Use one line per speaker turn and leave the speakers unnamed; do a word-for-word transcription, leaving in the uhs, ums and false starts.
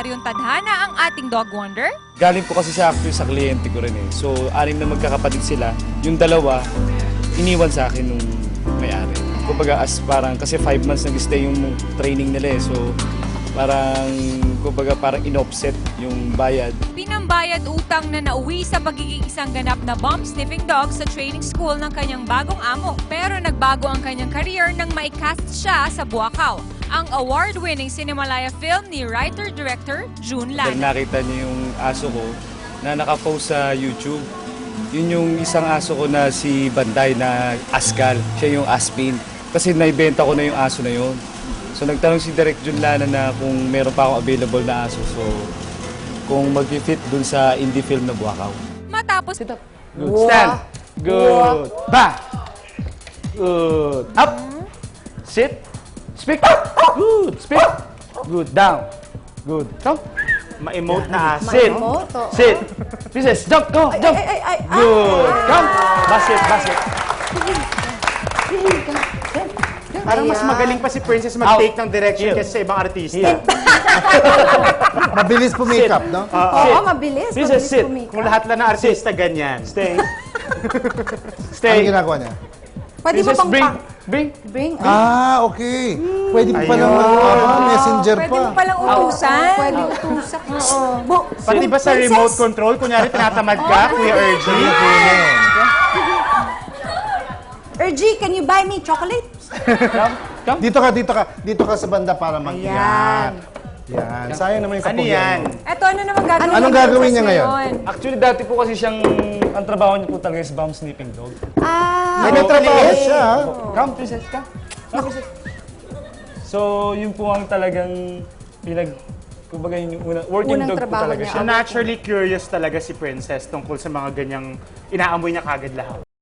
ordinaryong tadhana ang ating dog wonder?
Galing po kasi sa actually sa kliyente ko rin eh. So, anim na magkakapatid sila. Yung dalawa, iniwan sa akin nung may-ari. Kumbaga, as parang, kasi five months nag-stay yung training nila eh. So, parang, kumbaga, parang in-offset yung bayad.
Pinambayad utang na nauwi sa pagiging isang ganap na bomb-sniffing dog sa training school ng kanyang bagong amo. Pero nagbago ang kanyang career nang maikast siya sa Buakaw, ang award-winning Cinemalaya film ni writer-director June
Dahil
Lana.
nakita niyo yung aso ko na nakapost sa YouTube. Yun yung isang aso ko na si Banday na Askal. Siya yung Aspin. Kasi naibenta ko na yung aso na yun. So nagtanong si Direk June Lana na kung meron pa akong available na aso. So kung mag-fit dun sa indie film na Buakaw.
Matapos
Good. Stand. Good. Back. Good. Up. Sit. Speak. Good. Speak. Good. Down. Good. Come.
Ma-emote na aso.
Sit.
Ma-emote, oo.
Sit. Princess, jump. Go. Jump.
Ay, ay, ay, ay.
Good. Come. Basket. Basket.
Parang mas
Ayan.
magaling pa si Princess mag-take
Out.
ng direction
Heel.
kasi sa ibang artista.
Here.
Mabilis pumikap, no?
Oo,
Sit.
mabilis.
Princess,
Mabilis
sit.
kumika.
Kung lahat lang na artista, ganyan.
Stay.
Ano
Stay.
ginagawa niya?
Pwede mo
Princess,
pang
bring.
pa-
Bring.
bring.
Ah, okay. Pwede pa
Ayun.
naman, ah, messenger
pwede
pa.
mo palang utusan.
Pwede utusan. Oo. Bu-
Pati ba sa
Princess?
remote control, kunyari tinatamad ka, Kuya Ergie?
Ergie, can you buy me chocolate?
Come. Come.
Dito ka, dito ka. Dito ka sa banda para mag
Ayan.
Yan. Sayang naman yung
Ano
kapugian
yan?
mo.
Eto, ano naman gagawin
Anong
ni
gagawin niya
Princess
ngayon?
Actually, dati po kasi siyang, ang trabaho niya po talaga is bomb sniffing dog.
Ah,
Nagtatrabaho
okay.
siya.
Come, princess, come. Come, princess. So, yun po ang talagang pinag... Kumbaga yun yung una, working
Unang
dog po
trabaho
talaga
niya.
siya.
So naturally curious talaga si Princess tungkol sa mga ganyang inaamoy niya kagad lahat.